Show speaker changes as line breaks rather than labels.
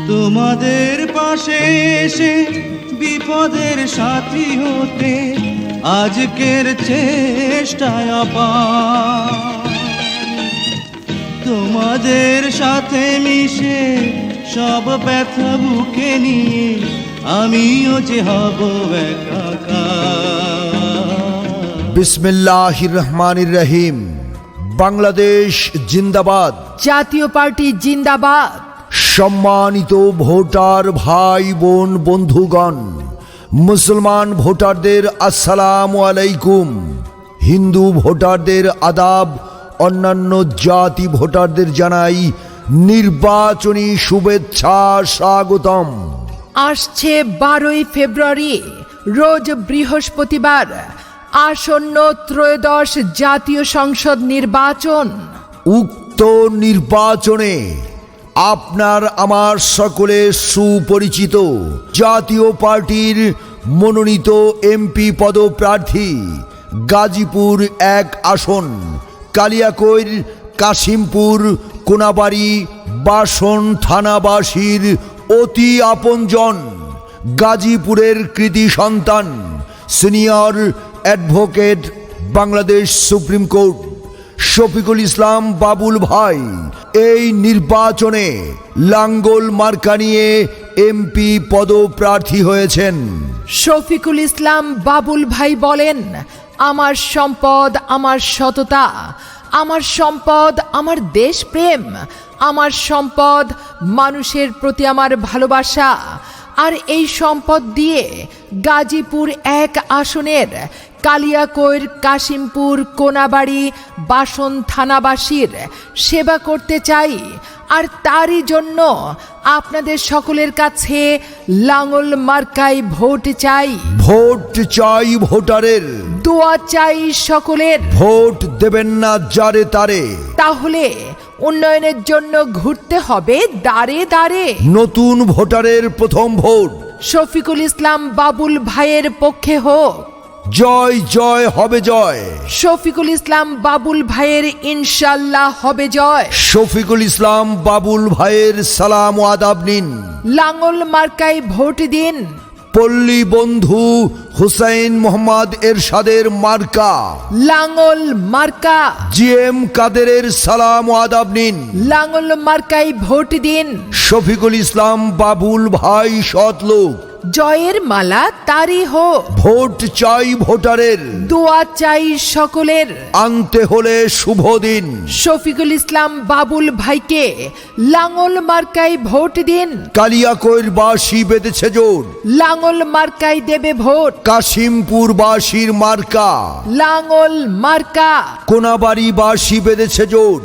তোমাদের পাশে এসে বিপদের সাথী হতে আজকের চেষ্টায় আপার। তোমাদের সাথে মিশে সব ব্যথা বুকে নিয়ে আমিও যে হব একাকার।
বিসমিল্লাহির রহমানির রহিম। বাংলাদেশ জিন্দাবাদ,
জাতীয় পার্টি জিন্দাবাদ।
সম্মানিত ভোটার ভাই বোন বন্ধুগণ, মুসলমান ভোটারদের আসসালামু আলাইকুম, হিন্দু ভোটারদের আদাব, অন্যান্য জাতি ভোটারদের জানাই নির্বাচনী শুভেচ্ছা, স্বাগতম।
আসছে 12ই ফেব্রুয়ারি, রোজ বৃহস্পতিবার, আসন্ন ত্রয়োদশ জাতীয় সংসদ নির্বাচন।
উক্ত নির্বাচনে আপনার আমার সকলের সুপরিচিত জাতীয় পার্টির মনোনীত এমপি পদপ্রার্থী গাজীপুর 1 আসন কালিয়াকৈর কাশিমপুর কোনাবাড়ি বাসন থানাবাসীর অতি আপনজন, গাজীপুরের কৃতি সন্তান, senior advocate, Bangladesh supreme court Shafiqul Islam Babul ভাই এই নির্বাচনে লাঙ্গল মার্কা নিয়ে এমপি পদপ্রার্থী হয়েছেন।
শফিকুল ইসলাম বাবুল ভাই বলেন, আমার সম্পদ আমার সততা, আমার সম্পদ আমার দেশপ্রেম, আমার সম্পদ মানুষের প্রতি আমার ভালোবাসা। আর এই সম্পদ দিয়ে গাজীপুর 1 আসনের কালিয়াকৈর কাশিমপুর কোনাবাড়ি বাসন থানাবাসীর সেবা করতে চাই। আর তারই জন্য আপনাদের সকলের কাছে লাঙ্গল মার্কায় ভোট চাই।
ভোট চাই ভোটারের,
দোয়া চাই সকলের।
ভোট দেবেন না যারে তারে,
তাহলে উন্নয়নের জন্য ঘুরতে হবে দাঁড়ে দাঁড়ে।
নতুন ভোটারের প্রথম ভোট
শফিকুল ইসলাম বাবুল ভাইয়ের পক্ষে হোক।
জয় জয় হবে জয়,
শফিকুল ইসলাম বাবুল ভাইয়ের ইনশাল্লাহ হবে জয়।
শফিকুল ইসলাম বাবুল ভাইয়ের সালাম ও আদাব নিন।
লাঙ্গল মার্কায় ভোট দিন।
পল্লী বন্ধু হুসাইন মোহাম্মদ এরশাদের মার্কা
লাঙ্গল মার্কা।
জিএম কাদেরের সালাম ও আদাব নিন।
লাঙ্গল মার্কায় ভোট দিন।
শফিকুল ইসলাম বাবুল ভাই সৎ লোক,
জয়ের মালা তারই হোক।
ভোট চাই ভোটারের,
দোয়া চাই সকলের।
আনতে হলে শুভ দিন।
শফিকুল ইসলাম বাবুল ভাইকে লাঙ্গল মার্কায় ভোট দিন।
কালিয়াকৈর বাসী বেঁধেছে জোর,
লাঙ্গল মার্কায় দেবে ভোট।
কাশিমপুর বাসীর মার্কা
লাঙ্গল মার্কা।
কোনাবাড়ি বাসী বেঁধেছে জোর।